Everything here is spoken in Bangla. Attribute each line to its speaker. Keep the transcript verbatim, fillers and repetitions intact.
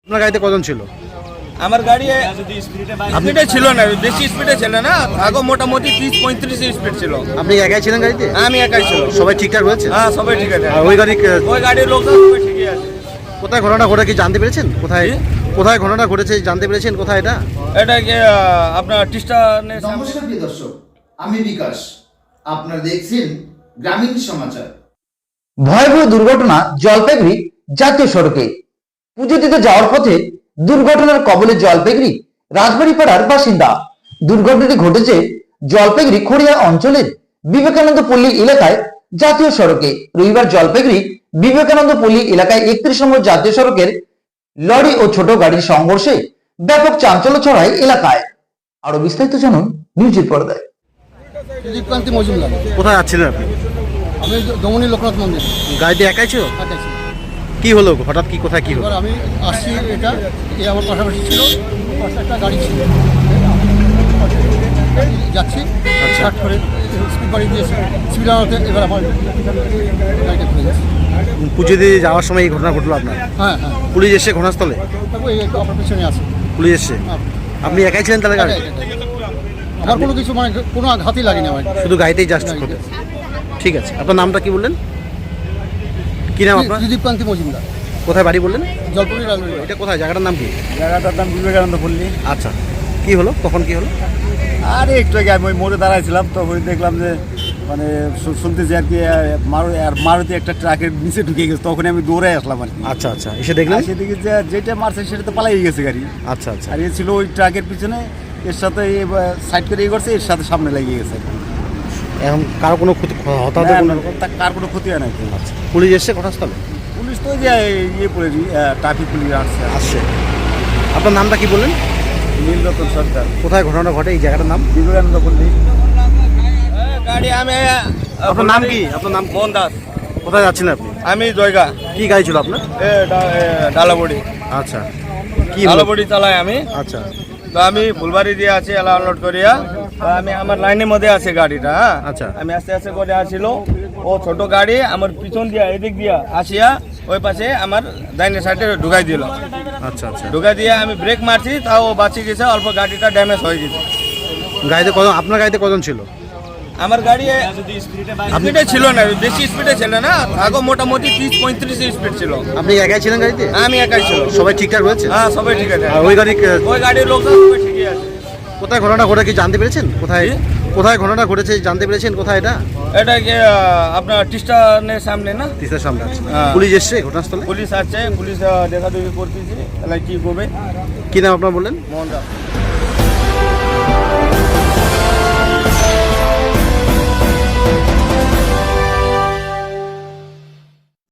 Speaker 1: আপনার গাড়িতে কজন ছিল?
Speaker 2: আমার গাড়ি স্পিডে ছিল না, বেশি স্পিডে ছিল না, আগে মোটামুটি তিরিশ পঁয়ত্রিশ স্পিড ছিল।
Speaker 1: আপনি একাই ছিলেন গাড়িতে?
Speaker 2: আমি একাই ছিল।
Speaker 1: সবাই ঠিকঠাক রয়েছে?
Speaker 2: হ্যাঁ, সবাই ঠিক আছে।
Speaker 1: আর ওই গাড়ি
Speaker 2: ওই গাড়ির লোকজন সবাই ঠিকই আছে।
Speaker 1: কোথায় ঘটনা ঘটে কি জানতে পেরেছেন? কোথায় কোথায় ঘটনা ঘটেছে জানতে পেরেছেন? কোথায় এটা?
Speaker 2: এটা কি আপনার টিস্টা?
Speaker 3: নমস্কার প্রিয় দর্শক, আমি বিকাশ, আপনারা দেখছেন গ্রামীণ সমাচার।
Speaker 4: ভয়াবহ দুর্ঘটনা জলপাইগুড়ি জাতীয় সড়কে। পুজো দিতে যাওয়ার পথে দুর্ঘটনার কবলে জলপাইগুড়ি রাজবাড়ি পাড়ার বাসিন্দা। দুর্ঘটনাটি ঘটেছে জলপাইগুড়ি খড়িয়া অঞ্চলের বিবেকানন্দ পল্লী এলাকায় জাতীয় সড়কে। রবিবার জলপাইগুড়ি বিবেকানন্দ পল্লী এলাকায় একত্রিশ নম্বর জাতীয় সড়কের লরি ও ছোট গাড়ির সংঘর্ষে ব্যাপক চাঞ্চল্য ছড়ায় এলাকায়। আরো বিস্তারিত জানুন নিউজের পর্দায়।
Speaker 5: সুদীপকান্তি মজুমদার।
Speaker 1: কোথায় যাচ্ছিলেন আপনি?
Speaker 5: আমি দমনী লোকনাথ মন্দির
Speaker 1: গাড়িতে একাই ছিল?
Speaker 5: একাই ছিলাম।
Speaker 1: কি হলো হঠাৎ, কি কোথায় কি হলো?
Speaker 5: এবার আমি আসছি, এটা এ আমার পাশাপাশি ছিল, পাশে একটা গাড়ি ছিল, যাচ্ছি ষাট করে স্পিড বাড়ি দিয়েছে, স্পিড আনাতে এবার আমার গাড়িটা ঘুরে যাচ্ছে।
Speaker 1: পুজো দিয়ে যাওয়ার সময় এই ঘটনা ঘটলো আপনার?
Speaker 5: হ্যাঁ হ্যাঁ,
Speaker 1: পুলিশ এসে ঘটনাস্থলে?
Speaker 5: তারপর এই আপনার পিছনে আছে
Speaker 1: পুলিশ এসে?
Speaker 5: হ্যাঁ।
Speaker 1: আপনি একাই ছিলেন তাহলে গাড়ি?
Speaker 5: এটাই, এটাই। আমার কোনো কিছু মানে কোনো আঘাতই লাগেনি আমার,
Speaker 1: শুধু গাড়িতেই জাস্ট ঘটে? ঠিক আছে, আপনার নামটা কি বললেন? কি নাম আপনার?
Speaker 5: সুদীপকান্তি মজুমদার।
Speaker 1: কোথায় বাড়ি বললেন?
Speaker 5: জলপাইগুড়ি রাজবাড়ি।
Speaker 1: এটা কোথায়, জায়গাটার নাম কি?
Speaker 2: জায়গাটার নাম বিবেকানন্দ পল্লী।
Speaker 1: আচ্ছা, কি হলো, কখন কি হলো?
Speaker 2: আরে একটু আগে আমি ওই মোড়ে দাঁড়াইছিলাম, তো ওই দেখলাম যে মানে শু- শুনতেছি আর কি মারু আর মারুতি একটা ট্রাকের নিচে ঢুকে গেছে, তখন আমি দৌড়ে আসলাম আর কি।
Speaker 1: আচ্ছা আচ্ছা, এসে দেখলেন?
Speaker 2: সেদিকে যে যেটা মারছে সেটা তো পালাই গেছে গাড়ি।
Speaker 1: আচ্ছা আচ্ছা,
Speaker 2: আর এ ছিল ওই ট্রাকের পিছনে, এর সাথে সাইড করে ইয়ে করছে, এর সাথে সামনে লেগে গেছে।
Speaker 1: এখন কারো কোনো ক্ষতি হতাহত
Speaker 2: না,
Speaker 1: কোনো?
Speaker 2: না, তা- কার কোনো ক্ষতি হয় না।
Speaker 1: আচ্ছা, পুলিশ এসে ঘটনাস্থলে?
Speaker 2: পুলিশ তো ওই যে ইয়ে পড়ে ট্রাফিক পুলিশ আসছে।
Speaker 1: আসছে। আপনার নামটা কি বললেন?
Speaker 2: নীলরতন সরকার।
Speaker 1: কোথায় ঘটনাটা ঘটে, এই জায়গাটার নাম?
Speaker 2: বিবেকানন্দ পল্লী। গাড়ি আমি
Speaker 1: আপনার নাম কি? আপনার নাম?
Speaker 2: মোহন দাস।
Speaker 1: কোথায় যাচ্ছিলেন আপনি?
Speaker 2: আমি জয়গা
Speaker 1: কি গাড়ি ছিল আপনার?
Speaker 2: এ ডা- এ, ডালাবড়ি
Speaker 1: আচ্ছা, কি হলো?
Speaker 2: ডালাবড়ি চালাই আমি।
Speaker 1: আচ্ছা
Speaker 2: তো আমি ফুলবাড়ি দিয়ে আছি এলা আনলোড করিয়া, তো আমি আমার লাইনের মধ্যে আছে গাড়িটা। হ্যাঁ,
Speaker 1: আচ্ছা।
Speaker 2: আমি আস্তে আস্তে করে আসছিল, ও ছোট গাড়ি আমার পিছন দিয়া এদিক দিয়া আসিয়া ওই পাশে আমার ডাইনের সাইডে ঢুকাই দিল।
Speaker 1: আচ্ছা আচ্ছা,
Speaker 2: ঢুকাই দিয়ে আমি ব্রেক মারছি, তাও ও বাঁচিয়ে গেছে, অল্প গাড়িটা ড্যামেজ হয়ে গেছে।
Speaker 1: গাড়িতে কজন, আপনার গাড়িতে কজন ছিল?
Speaker 2: আমার গাড়ি স্পিডে ছিল না, বেশি স্পিডে ছিল না, আগে মোটামুটি তিরিশ পঁয়ত্রিশ স্পিড ছিল।
Speaker 1: আপনি একাই ছিলেন গাড়িতে?
Speaker 2: আমি একাই ছিল।
Speaker 1: সবাই ঠিকঠাক রয়েছে?
Speaker 2: হ্যাঁ, সবাই ঠিক আছে।
Speaker 1: আর ওই গাড়ি
Speaker 2: ওই গাড়ির লোকজন সবাই ঠিকই আছে।
Speaker 1: কোথায় ঘটনা ঘটে কি জানতে পেরেছেন? কোথায় কোথায় ঘটনা ঘটেছে জানতে পেরেছেন? কোথায় এটা?
Speaker 2: এটা কি আপনার টিস্টানের সামনে না?
Speaker 1: তিস্তার সামনে আছে।
Speaker 2: হ্যাঁ।
Speaker 1: পুলিশ এসছে ঘটনাস্থলে?
Speaker 2: পুলিশ আসছে, পুলিশ দেখা দেখি করতেছি, তাহলে কি করবে।
Speaker 1: কি নাম আপনার বললেন?
Speaker 2: মোহন দাস।